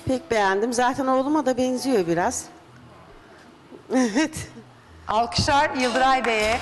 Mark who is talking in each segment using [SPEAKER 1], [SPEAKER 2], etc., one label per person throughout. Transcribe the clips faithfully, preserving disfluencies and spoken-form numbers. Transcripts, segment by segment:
[SPEAKER 1] Pek beğendim. Zaten oğluma da benziyor biraz. Evet.
[SPEAKER 2] Alkışlar Yıldıray Bey'e.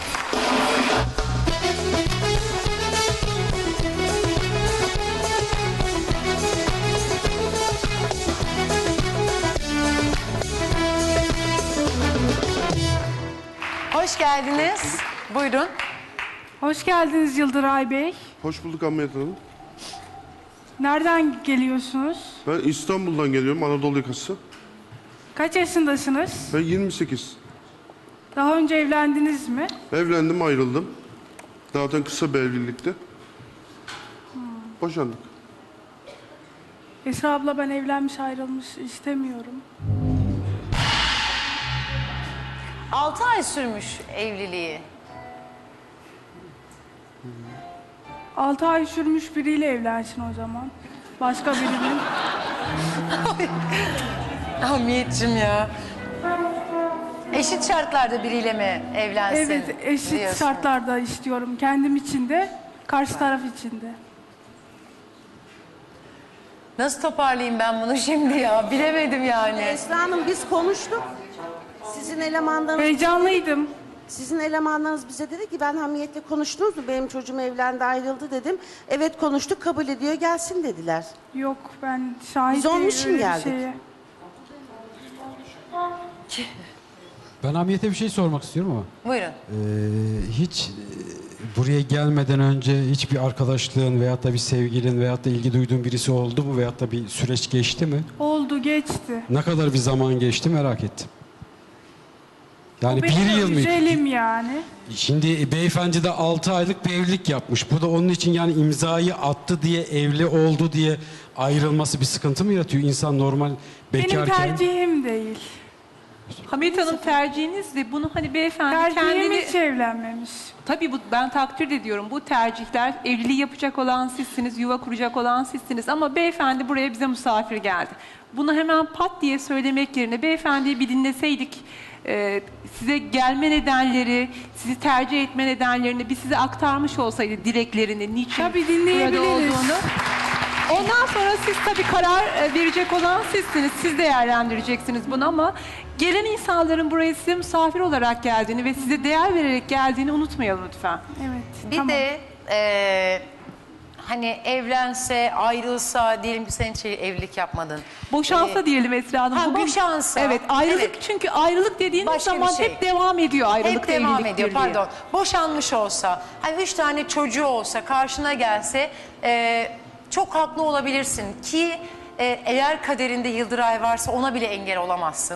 [SPEAKER 2] Hoş geldiniz. Buyurun.
[SPEAKER 3] Hoş geldiniz Yıldıray Bey.
[SPEAKER 4] Hoş bulduk Hamiyet Hanım.
[SPEAKER 3] Nereden geliyorsunuz?
[SPEAKER 4] Ben İstanbul'dan geliyorum, Anadolu yakası.
[SPEAKER 3] Kaç yaşındasınız?
[SPEAKER 4] Ben yirmi sekiz.
[SPEAKER 3] Daha önce evlendiniz mi?
[SPEAKER 4] Evlendim, ayrıldım. Zaten kısa bir evlilikti. Boşandık.
[SPEAKER 3] Esra abla, ben evlenmiş ayrılmış istemiyorum.
[SPEAKER 2] Altı ay sürmüş evliliği.
[SPEAKER 3] Altı ay sürmüş biriyle evlensin o zaman. Başka birinin.
[SPEAKER 2] Hamiyetciğim ya. Eşit şartlarda biriyle mi evlensin?
[SPEAKER 3] Evet, eşit
[SPEAKER 2] diyorsun?
[SPEAKER 3] şartlarda istiyorum. Kendim için de, karşı taraf için de.
[SPEAKER 2] Nasıl toparlayayım ben bunu şimdi ya? Bilemedim yani.
[SPEAKER 1] Esra Hanım, biz konuştuk. Sizin elemanlarınız,
[SPEAKER 3] Heyecanlıydım.
[SPEAKER 1] sizin elemanlarınız bize dedi ki ben Hamiyet'le konuştunuz mu? Benim çocuğum evlendi, ayrıldı dedim. Evet konuştuk, kabul ediyor, gelsin dediler.
[SPEAKER 3] Yok, ben şahit
[SPEAKER 1] Biz onun için
[SPEAKER 3] öyle bir
[SPEAKER 1] geldik.
[SPEAKER 3] şeye.
[SPEAKER 5] Ben Hamiyet'e bir şey sormak istiyorum ama.
[SPEAKER 2] Buyurun.
[SPEAKER 5] Ee, hiç e, buraya gelmeden önce hiçbir arkadaşlığın veyahut da bir sevgilin veyahut da ilgi duyduğun birisi oldu mu veyahut da bir süreç geçti mi?
[SPEAKER 3] Oldu, geçti.
[SPEAKER 5] Ne kadar bir zaman geçti merak ettim. Yani
[SPEAKER 3] O benim
[SPEAKER 5] bir yıl mı?
[SPEAKER 3] güzelim yani.
[SPEAKER 5] Şimdi beyefendi de altı aylık bir evlilik yapmış. Bu da onun için yani imzayı attı diye, evli oldu diye ayrılması bir sıkıntı mı yaratıyor? İnsan normal
[SPEAKER 3] Benim
[SPEAKER 5] bekarken...
[SPEAKER 3] tercihim değil.
[SPEAKER 6] Hamiyet Hanım, tercihinizdi. Bunu hani beyefendi
[SPEAKER 3] Tercihim
[SPEAKER 6] kendini...
[SPEAKER 3] hiç evlenmemiş.
[SPEAKER 6] Tabii bu, ben takdir ediyorum. Bu tercihler, evliliği yapacak olan sizsiniz, yuva kuracak olan sizsiniz. Ama beyefendi buraya bize misafir geldi. Bunu hemen pat diye söylemek yerine beyefendiyi bir dinleseydik, e, size gelme nedenleri, sizi tercih etme nedenlerini bir size aktarmış olsaydı, dileklerini, niçin
[SPEAKER 3] Tabii
[SPEAKER 6] burada
[SPEAKER 3] dinleyebiliriz.
[SPEAKER 6] olduğunu. Ondan sonra siz tabii karar e, verecek olan sizsiniz. Siz değerlendireceksiniz bunu ama gelen insanların buraya size misafir olarak geldiğini ve size değer vererek geldiğini unutmayalım lütfen.
[SPEAKER 3] Evet.
[SPEAKER 2] Bir
[SPEAKER 3] tamam.
[SPEAKER 2] de e, hani evlense, ayrılsa, diyelim ki sen hiç evlilik yapmadın.
[SPEAKER 6] Boşansa
[SPEAKER 2] Ee,
[SPEAKER 6] diyelim Esra Hanım.
[SPEAKER 2] ha, boşansa.
[SPEAKER 6] Evet, ayrılık
[SPEAKER 2] Evet.
[SPEAKER 6] çünkü ayrılık dediğiniz
[SPEAKER 2] Başka bir
[SPEAKER 6] zaman
[SPEAKER 2] şey.
[SPEAKER 6] hep devam ediyor ayrılık
[SPEAKER 2] Hep devam
[SPEAKER 6] evlilik
[SPEAKER 2] ediyor,
[SPEAKER 6] birliği.
[SPEAKER 2] pardon. Boşanmış olsa, hani üç tane çocuğu olsa, karşına gelse e, çok haklı olabilirsin ki e, eğer kaderinde Yıldıray varsa ona bile engel olamazsın.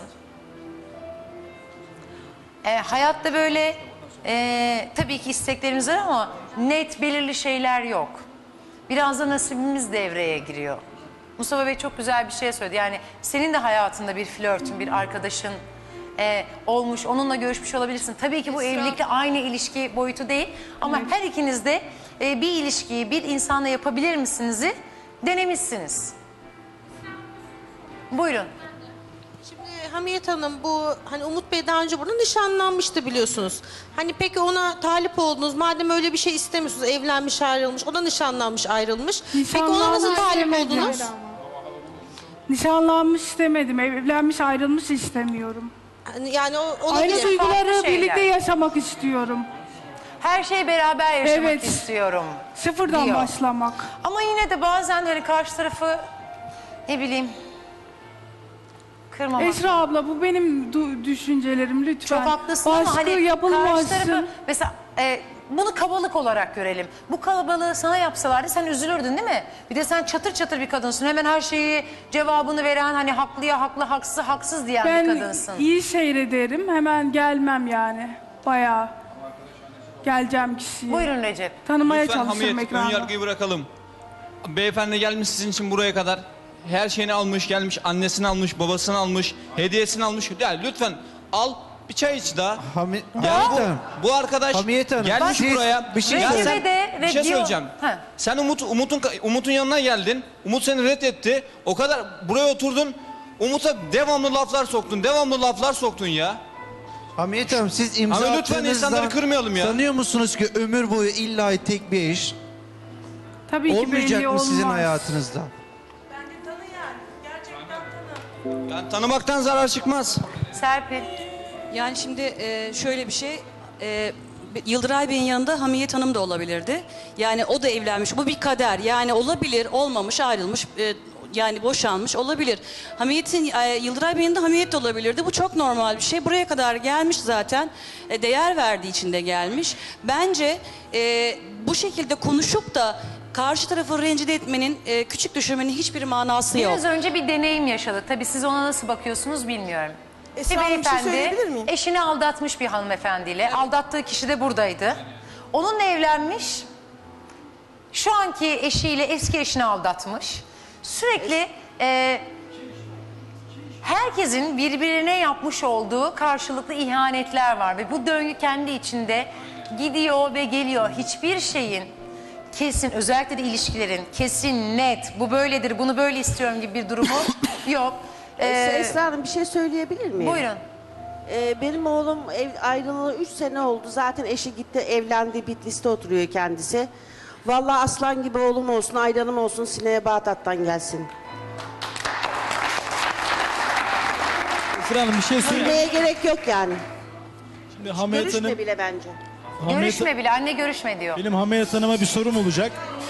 [SPEAKER 2] E, hayatta böyle e, tabii ki isteklerimiz var ama net belirli şeyler yok. Biraz da nasibimiz devreye giriyor. Mustafa Bey çok güzel bir şey söyledi. Yani senin de hayatında bir flörtün, bir arkadaşın e, olmuş, onunla görüşmüş olabilirsin. Tabii ki bu evlilikle aynı ilişki boyutu değil. Ama her ikiniz de e, bir ilişkiyi bir insanla yapabilir misiniz'i denemişsiniz. Buyurun.
[SPEAKER 7] Şimdi Hamiyet Hanım, bu hani Umut Bey daha önce burada nişanlanmıştı biliyorsunuz. Hani peki ona talip oldunuz, madem öyle bir şey istemiyorsunuz, evlenmiş ayrılmış, o da nişanlanmış ayrılmış. Peki ona nasıl
[SPEAKER 3] Nişanlanmış
[SPEAKER 7] talip
[SPEAKER 3] demedim.
[SPEAKER 7] oldunuz?
[SPEAKER 3] Nişanlanmış istemedim. Evlenmiş ayrılmış istemiyorum.
[SPEAKER 7] Hani yani o
[SPEAKER 3] Aynı
[SPEAKER 7] olabilir.
[SPEAKER 2] farklı
[SPEAKER 3] duyguları
[SPEAKER 2] şeyler.
[SPEAKER 3] birlikte yaşamak istiyorum.
[SPEAKER 2] Her şeyi beraber yaşamak
[SPEAKER 3] Evet.
[SPEAKER 2] istiyorum.
[SPEAKER 3] Sıfırdan
[SPEAKER 2] diyor.
[SPEAKER 3] başlamak.
[SPEAKER 2] Ama yine de bazen hani karşı tarafı ne bileyim kırmamak.
[SPEAKER 3] Esra abla, bu benim du- düşüncelerim lütfen.
[SPEAKER 2] Çok haklısın
[SPEAKER 3] Baskı
[SPEAKER 2] ama hani karşı
[SPEAKER 3] yapılmasın.
[SPEAKER 2] tarafı mesela e, bunu kabalık olarak görelim. Bu kalabalığı sana yapsalardı sen üzülürdün değil mi? Bir de sen çatır çatır bir kadınsın. Hemen her şeyi cevabını veren, hani haklıya haklı, haksız haksız diyen bir
[SPEAKER 3] Ben
[SPEAKER 2] kadınsın.
[SPEAKER 3] iyi seyrederim. Hemen gelmem yani. Bayağı geleceğim kişiye.
[SPEAKER 2] Buyurun Recep.
[SPEAKER 3] Tanımaya
[SPEAKER 8] Lütfen
[SPEAKER 3] çalışırım
[SPEAKER 8] Hamiyet, ön
[SPEAKER 3] ekranda.
[SPEAKER 8] yargıyı bırakalım. Beyefendi gelmiş sizin için buraya kadar. Her şeyini almış, gelmiş, annesini almış, babasını almış, hediyesini almış. Yani lütfen al, bir çay iç daha.
[SPEAKER 9] Hami
[SPEAKER 8] Yani
[SPEAKER 9] Hamiyet Hanım.
[SPEAKER 8] bu, bu arkadaş
[SPEAKER 9] Hamiyet Hanım,
[SPEAKER 8] gelmiş
[SPEAKER 9] siz
[SPEAKER 8] buraya.
[SPEAKER 9] bir şey
[SPEAKER 8] Ya
[SPEAKER 2] Recep'e
[SPEAKER 8] sen-
[SPEAKER 2] de
[SPEAKER 8] bir şey
[SPEAKER 2] ve diyor-
[SPEAKER 8] söyleyeceğim.
[SPEAKER 2] Ha.
[SPEAKER 8] Sen Umut, Umut'un Umut'un yanına geldin. Umut seni reddetti. O kadar buraya oturdun. Umut'a devamlı laflar soktun. Devamlı laflar soktun ya.
[SPEAKER 9] Hamiyet Hanım, siz imza
[SPEAKER 8] Ama lütfen
[SPEAKER 9] attığınızdan
[SPEAKER 8] insanları kırmayalım ya.
[SPEAKER 9] sanıyor musunuz ki ömür boyu illa tek bir eş
[SPEAKER 3] Tabii ki belli
[SPEAKER 9] olmayacak mı
[SPEAKER 3] olmaz.
[SPEAKER 9] sizin hayatınızda?
[SPEAKER 8] Yani tanımaktan zarar çıkmaz.
[SPEAKER 2] Serpil.
[SPEAKER 10] Yani şimdi e, şöyle bir şey, e, Yıldıray Bey'in yanında Hamiyet Hanım da olabilirdi. Yani o da evlenmiş, bu bir kader. Yani olabilir, olmamış, ayrılmış, e, yani boşanmış olabilir. Hamiyet'in, e, Yıldıray Bey'in de Hamiyet de olabilirdi. Bu çok normal bir şey. Buraya kadar gelmiş zaten, e, değer verdiği için de gelmiş. Bence e, bu şekilde konuşup da karşı tarafı rencide etmenin, e, küçük düşürmenin hiçbir manası yok.
[SPEAKER 2] Biraz önce bir deneyim yaşadı. Tabii siz ona nasıl bakıyorsunuz bilmiyorum.
[SPEAKER 1] Esra
[SPEAKER 2] Bir
[SPEAKER 1] Hanım, bir şey
[SPEAKER 2] beyefendi
[SPEAKER 1] söyleyebilir miyim?
[SPEAKER 2] eşini aldatmış bir hanımefendiyle. Aldattığı kişi de buradaydı. Onunla evlenmiş. Şu anki eşiyle eski eşini aldatmış. Sürekli e, herkesin birbirine yapmış olduğu karşılıklı ihanetler var. Ve bu döngü kendi içinde gidiyor ve geliyor. Hiçbir şeyin kesin, özellikle de ilişkilerin kesin, net, bu böyledir, bunu böyle istiyorum gibi bir durumu yok.
[SPEAKER 1] Ee,
[SPEAKER 2] Ee,
[SPEAKER 1] Esra Hanım, bir şey söyleyebilir miyim?
[SPEAKER 2] Buyurun.
[SPEAKER 1] Ee, benim oğlum ev, ayrılalı üç sene oldu. Zaten eşi gitti, evlendi, Bitlis'te oturuyor kendisi. Vallahi aslan gibi oğlum olsun, ayranım olsun, Sine'ye Bağdat'tan gelsin.
[SPEAKER 11] Esra Hanım bir şey söyleyeyim.
[SPEAKER 1] Neye gerek yok yani.
[SPEAKER 11] Şimdi Hamiyet
[SPEAKER 1] Görüşme
[SPEAKER 11] Hanım,
[SPEAKER 1] bile bence.
[SPEAKER 11] Hamiyet-
[SPEAKER 2] Görüşme bile, anne görüşme diyor.
[SPEAKER 11] benim Hamiyet Hanım'a bir sorum olacak.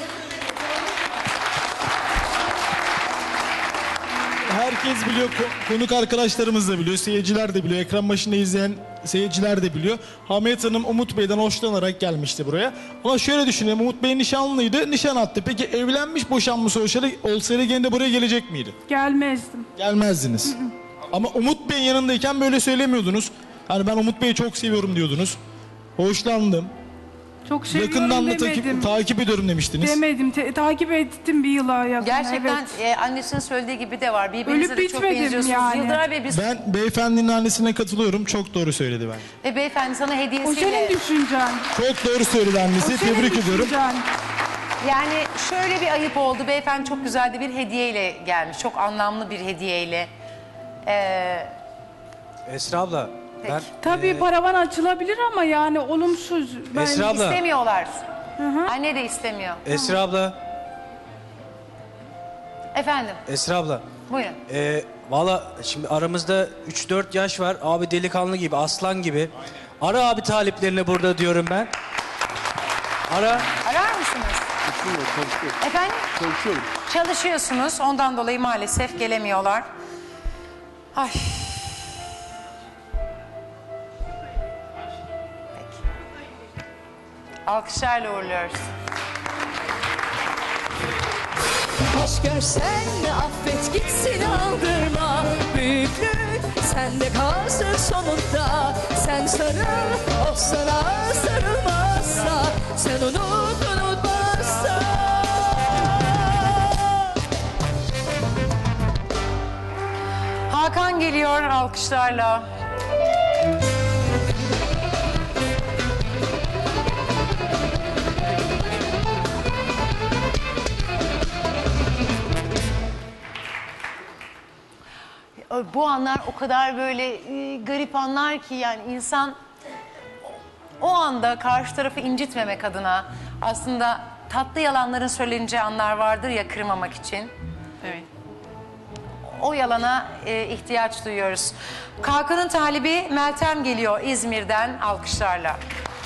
[SPEAKER 11] Herkes biliyor, ko- konuk arkadaşlarımız da biliyor, seyirciler de biliyor, ekran başında izleyen seyirciler de biliyor. Hamiyet Hanım Umut Bey'den hoşlanarak gelmişti buraya. Ama şöyle düşünelim, Umut Bey nişanlıydı, nişan attı. Peki evlenmiş, boşanmış olsaydı, olsaydı gene de buraya gelecek miydi?
[SPEAKER 3] Gelmezdim.
[SPEAKER 11] Gelmezdiniz. Ama Umut Bey'in yanındayken böyle söylemiyordunuz. Hani ben Umut Bey'i çok seviyorum diyordunuz. Hoşlandım.
[SPEAKER 3] Çok seviyorum
[SPEAKER 11] Yakından da
[SPEAKER 3] demedim.
[SPEAKER 11] takip, takip ediyorum demiştiniz.
[SPEAKER 3] Demedim. Te- takip ettim bir yıla yakın.
[SPEAKER 2] Gerçekten
[SPEAKER 3] evet.
[SPEAKER 2] e, annesinin söylediği gibi de var. Birbirinize
[SPEAKER 3] Ölüp
[SPEAKER 2] de çok
[SPEAKER 3] bitmedim
[SPEAKER 2] benziyorsunuz.
[SPEAKER 3] yani.
[SPEAKER 2] Yıldıray Bey biz
[SPEAKER 11] Ben beyefendinin annesine katılıyorum. Çok doğru söyledi bence.
[SPEAKER 2] ve beyefendi sana
[SPEAKER 3] O
[SPEAKER 2] hediyesiyle...
[SPEAKER 3] senin düşüncen.
[SPEAKER 11] Çok doğru söyledi
[SPEAKER 3] O
[SPEAKER 11] annesi.
[SPEAKER 3] senin
[SPEAKER 11] Tebrik ediyorum.
[SPEAKER 3] düşüncen.
[SPEAKER 2] Yani şöyle bir ayıp oldu. Beyefendi çok güzel de bir hediyeyle gelmiş. Çok anlamlı bir hediyeyle. Ee,
[SPEAKER 12] Esra abla, ben
[SPEAKER 3] Tabii paravan açılabilir ama yani olumsuz. Ben
[SPEAKER 12] Esra abla,
[SPEAKER 2] istemiyorlar. Anne de istemiyor.
[SPEAKER 12] Esra abla,
[SPEAKER 2] Efendim,
[SPEAKER 12] Esra abla.
[SPEAKER 2] buyurun.
[SPEAKER 12] Ee, Valla şimdi aramızda üç dört yaş var. Abi delikanlı gibi, aslan gibi. Ara abi taliplerini burada diyorum ben. Ara.
[SPEAKER 2] Arar mısınız? Efendim?
[SPEAKER 4] Çalışıyorum.
[SPEAKER 2] Çalışıyorsunuz. Ondan dolayı maalesef gelemiyorlar. Ay. Peki. Alkışlarla uğurluyoruz.
[SPEAKER 13] Hoş görsen de affet gitsin aldırma. Büyüklük sende kalsın sonunda. Sen sarıl, o sana sarılmazsa. Sen unut, unutmazsa.
[SPEAKER 2] Hakan geliyor alkışlarla. Bu anlar o kadar böyle e, garip anlar ki yani insan o anda karşı tarafı incitmemek adına aslında tatlı yalanların söyleneceği anlar vardır ya kırmamak için.
[SPEAKER 6] Evet.
[SPEAKER 2] O yalana e, ihtiyaç duyuyoruz. Kalkanın talibi Meltem geliyor İzmir'den alkışlarla.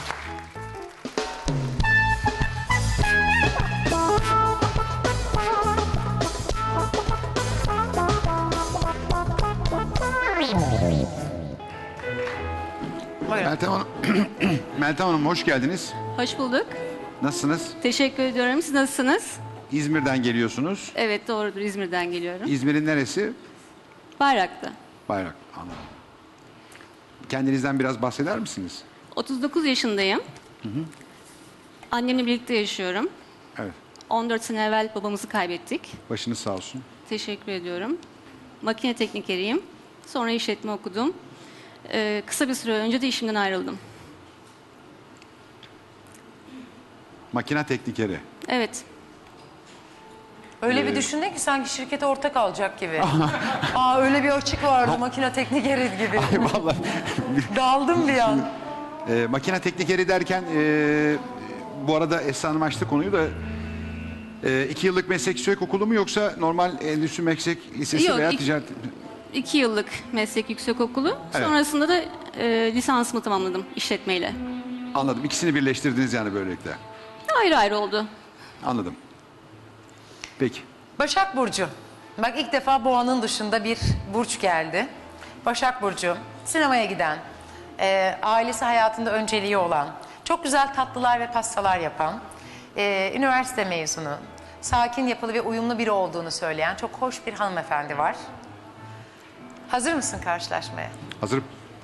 [SPEAKER 2] Buyurun.
[SPEAKER 14] Meltem Hanım, Meltem Hanım hoş geldiniz.
[SPEAKER 10] Hoş bulduk.
[SPEAKER 14] Nasılsınız?
[SPEAKER 10] Teşekkür ediyorum. Siz nasılsınız?
[SPEAKER 14] İzmir'den geliyorsunuz.
[SPEAKER 10] Evet doğrudur, İzmir'den geliyorum.
[SPEAKER 14] İzmir'in neresi?
[SPEAKER 10] Bayrak'ta.
[SPEAKER 14] Bayrak. Anladım. Kendinizden biraz bahseder misiniz?
[SPEAKER 10] otuz dokuz yaşındayım. Annemle birlikte yaşıyorum.
[SPEAKER 14] Evet.
[SPEAKER 10] on dört sene evvel babamızı kaybettik.
[SPEAKER 14] Başınız sağ olsun.
[SPEAKER 10] Teşekkür ediyorum. Makine teknikeriyim. Sonra işletme okudum. Ee, kısa bir süre önce de işimden ayrıldım.
[SPEAKER 14] Makine teknikeri.
[SPEAKER 10] Evet.
[SPEAKER 2] Öyle bir düşündün ki sanki şirkete ortak alacak gibi. Aa öyle bir açık vardı makine teknikeri gibi.
[SPEAKER 14] Vallahi.
[SPEAKER 2] Daldım bir an.
[SPEAKER 14] Ee, makine teknikeri derken e, bu arada Esra Hanım açtı konuyu da e, iki yıllık meslek yüksek okulu mu yoksa normal endüstri meslek lisesi
[SPEAKER 10] Yok,
[SPEAKER 14] veya
[SPEAKER 10] iki-
[SPEAKER 14] ticaret?
[SPEAKER 15] iki yıllık meslek yüksekokulu.
[SPEAKER 14] Evet.
[SPEAKER 15] Sonrasında da e, lisansımı tamamladım işletmeyle.
[SPEAKER 14] Anladım. İkisini birleştirdiniz yani böylelikle.
[SPEAKER 15] Ayrı ayrı oldu.
[SPEAKER 14] Anladım. Peki.
[SPEAKER 2] Başak Burcu. Bak ilk defa boğanın dışında bir burç geldi. Başak Burcu, sinemaya giden, e, ailesi hayatında önceliği olan, çok güzel tatlılar ve pastalar yapan, e, üniversite mezunu, sakin, yapılı ve uyumlu biri olduğunu söyleyen çok hoş bir hanımefendi var. Hazır mısın karşılaşmaya?
[SPEAKER 14] Hazırım.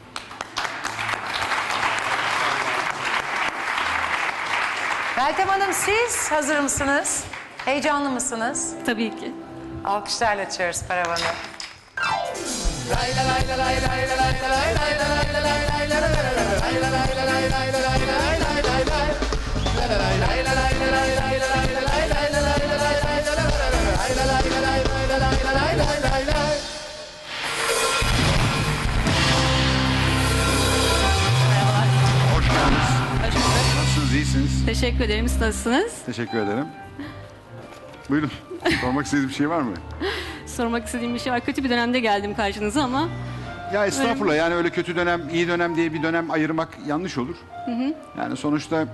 [SPEAKER 2] Meltem Hanım, siz hazır mısınız? Heyecanlı mısınız?
[SPEAKER 15] Tabii ki.
[SPEAKER 2] Alkışlarla açıyoruz paravanı.
[SPEAKER 14] Hoş geldiniz. Nasılsınız? İyisiniz?
[SPEAKER 15] Teşekkür ederim. Siz nasılsınız?
[SPEAKER 14] Teşekkür ederim. Buyurun. Sormak istediğiniz bir şey var mı?
[SPEAKER 15] Sormak istediğim bir şey var. Kötü bir dönemde geldim karşınıza ama...
[SPEAKER 14] Ya estağfurullah, yani öyle kötü dönem, iyi dönem diye bir dönem ayırmak yanlış olur.
[SPEAKER 15] Hı hı.
[SPEAKER 14] Yani sonuçta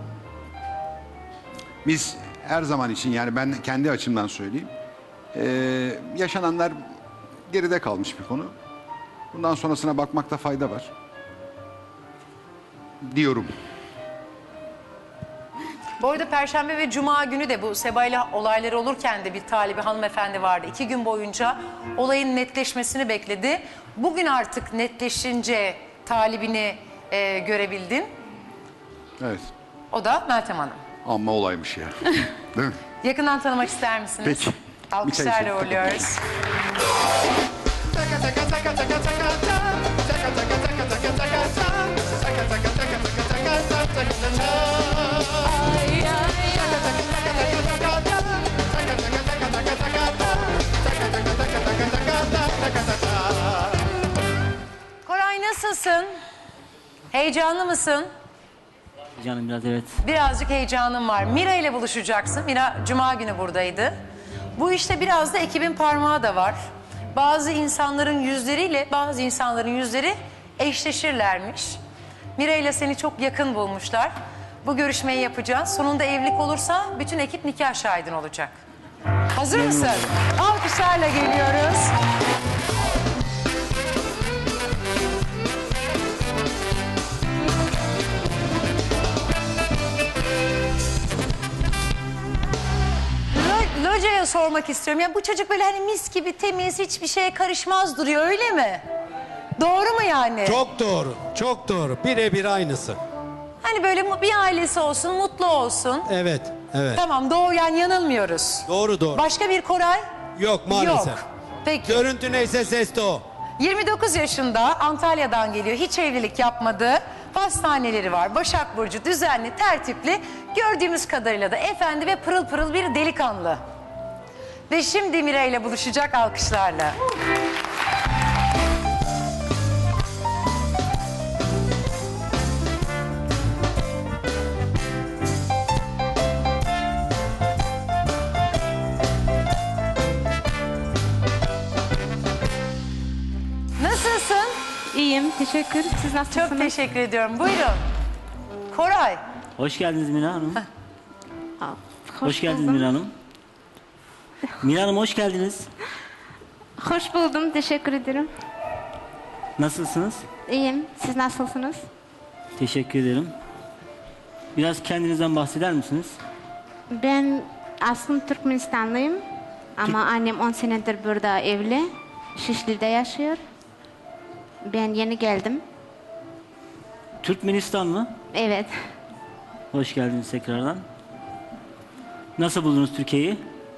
[SPEAKER 14] biz her zaman için, yani ben kendi açımdan söyleyeyim, eee, yaşananlar geride kalmış bir konu. Bundan sonrasına bakmakta fayda var diyorum.
[SPEAKER 2] Bu arada Perşembe ve Cuma günü de bu Seba'yla olayları olurken de bir talibi hanımefendi vardı. İki gün boyunca olayın netleşmesini bekledi. Bugün artık netleşince talibini e, görebildin.
[SPEAKER 14] Evet.
[SPEAKER 2] O da Meltem Hanım.
[SPEAKER 14] Amma olaymış ya. Değil mi?
[SPEAKER 2] Yakından tanımak ister misiniz?
[SPEAKER 14] Peki. Bir çay
[SPEAKER 2] Alkışlarla
[SPEAKER 14] içelim.
[SPEAKER 2] uğurluyoruz. Koray, nasılsın? Heyecanlı mısın?
[SPEAKER 16] Canım biraz evet.
[SPEAKER 2] Birazcık heyecanım var. Mira ile buluşacaksın. Mira Cuma günü buradaydı. Bu işte biraz da ekibin parmağı da var. Bazı insanların yüzleriyle bazı insanların yüzleri eşleşirlermiş. Mira ile seni çok yakın bulmuşlar. Bu görüşmeyi yapacağız. Sonunda evlilik olursa bütün ekip nikah şahidin olacak. Hazır mısın? Alkışlarla geliyoruz. Lo- Loca'ya sormak istiyorum. Ya bu çocuk böyle hani mis gibi temiz, hiçbir şeye karışmaz duruyor, öyle mi? Doğru mu yani?
[SPEAKER 17] Çok doğru, çok doğru. Birebir aynısı.
[SPEAKER 2] Hani böyle mu- bir ailesi olsun, mutlu olsun.
[SPEAKER 17] Evet, evet.
[SPEAKER 2] Tamam, doğru, yani yanılmıyoruz.
[SPEAKER 17] Doğru doğru.
[SPEAKER 2] Başka bir Koray?
[SPEAKER 17] Yok maalesef.
[SPEAKER 2] Yok. Peki.
[SPEAKER 17] Görüntü neyse ses de o.
[SPEAKER 2] yirmi dokuz yaşında, Antalya'dan geliyor. Hiç evlilik yapmadı. Hastaneleri var. Başak Burcu, düzenli, tertipli. Gördüğümüz kadarıyla da efendi ve pırıl pırıl bir delikanlı. Ve şimdi Mira ile buluşacak, alkışlarla. Nasılsın?
[SPEAKER 15] İyiyim. Teşekkür. Siz nasılsınız?
[SPEAKER 2] Çok teşekkür ediyorum. Buyurun. Koray.
[SPEAKER 16] Hoş geldiniz Mira Hanım.
[SPEAKER 15] Hoş,
[SPEAKER 16] Hoş geldiniz
[SPEAKER 15] buldum.
[SPEAKER 16] Mira Hanım. Mira Hanım hoş geldiniz.
[SPEAKER 15] Hoş buldum. Teşekkür ederim.
[SPEAKER 16] Nasılsınız?
[SPEAKER 15] İyiyim. Siz nasılsınız?
[SPEAKER 16] Teşekkür ederim. Biraz kendinizden bahseder misiniz?
[SPEAKER 15] Ben aslında Türkmenistanlıyım. Ama annem on senedir burada evli. Şişli'de yaşıyor. Ben yeni geldim.
[SPEAKER 16] Türkmenistan mı?
[SPEAKER 15] Evet.
[SPEAKER 16] Hoş geldiniz tekrardan. Nasıl buldunuz Türkiye'yi?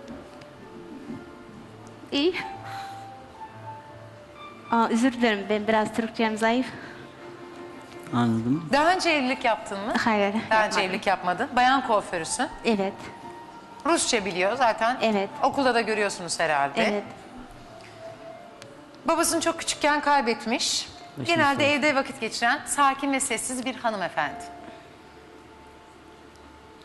[SPEAKER 15] İyi. Aa, özür dilerim. Ben biraz Türkçem zayıf.
[SPEAKER 16] Anladım.
[SPEAKER 2] Daha önce evlilik yaptın mı?
[SPEAKER 15] Hayır.
[SPEAKER 2] Daha önce
[SPEAKER 15] yapmadım.
[SPEAKER 2] evlilik yapmadın. Bayan kuaförüsün.
[SPEAKER 15] Evet.
[SPEAKER 2] Rusça biliyor zaten.
[SPEAKER 15] Evet.
[SPEAKER 2] Okulda da görüyorsunuz herhalde.
[SPEAKER 15] Evet.
[SPEAKER 2] Babasını çok küçükken kaybetmiş.
[SPEAKER 16] Başınız
[SPEAKER 2] Genelde
[SPEAKER 16] sağ olsun.
[SPEAKER 2] evde vakit geçiren sakin ve sessiz bir hanımefendi.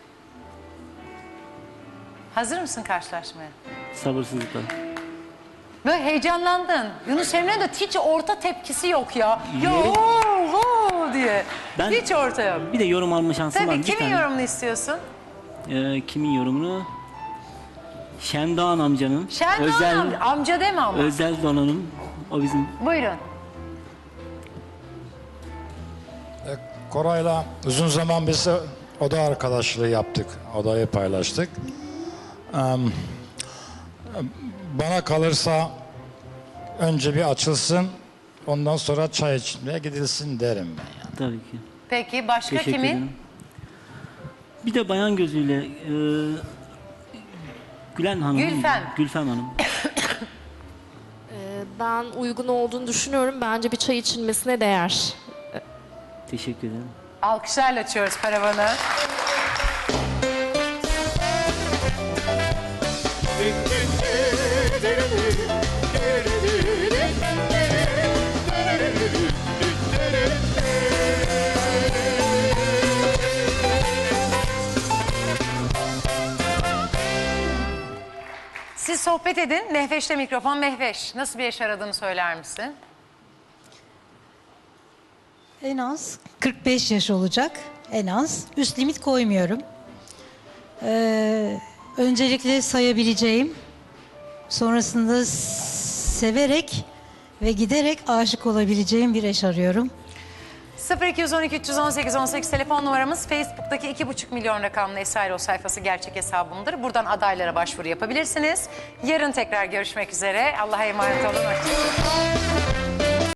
[SPEAKER 2] Hazır mısın karşılaşmaya?
[SPEAKER 16] Sabırsızlıkla.
[SPEAKER 2] Böyle heyecanlandın. Yunus Emre'nin de hiç orta tepkisi yok ya. Ya oo, oo diye.
[SPEAKER 16] Ben-
[SPEAKER 2] Hiç orta yok.
[SPEAKER 16] Bir de yorum alma şansım var.
[SPEAKER 2] Tabii
[SPEAKER 16] Bir
[SPEAKER 2] kimin
[SPEAKER 16] tane.
[SPEAKER 2] yorumunu istiyorsun?
[SPEAKER 16] Ee, kimin yorumunu? Şendoğan amcanın.
[SPEAKER 2] Şendoğan
[SPEAKER 16] özel,
[SPEAKER 2] amca, amca deme ama.
[SPEAKER 16] Özel donanım. O bizim.
[SPEAKER 2] Buyurun.
[SPEAKER 18] Koray'la uzun zaman biz oda arkadaşlığı yaptık. Odayı paylaştık. Em, Bana kalırsa önce bir açılsın, ondan sonra çay içmeye gidilsin derim ben. Yani.
[SPEAKER 16] Tabii ki.
[SPEAKER 2] Peki başka
[SPEAKER 16] Teşekkür
[SPEAKER 2] kimin?
[SPEAKER 16] ederim. Bir de bayan gözüyle e, Gülen Hanım.
[SPEAKER 2] Gülfem.
[SPEAKER 16] Gülfem Hanım.
[SPEAKER 19] Ben uygun olduğunu düşünüyorum. Bence bir çay içilmesine değer.
[SPEAKER 16] Teşekkür ederim.
[SPEAKER 2] Alkışlarla açıyoruz paravanı. Siz sohbet edin. Mehveş'te mikrofon. Mehveş, nasıl bir eş aradığını söyler misin?
[SPEAKER 20] En az kırk beş yaş olacak. En az. Üst limit koymuyorum. Ee, öncelikle sayabileceğim. Sonrasında severek ve giderek aşık olabileceğim bir eş arıyorum.
[SPEAKER 2] sıfır iki on iki üç on sekiz on sekiz telefon numaramız. Facebook'taki iki buçuk milyon rakamlı Esairo sayfası gerçek hesabımdır. Buradan adaylara başvuru yapabilirsiniz. Yarın tekrar görüşmek üzere. Allah'a emanet olun. Hoşçakalın.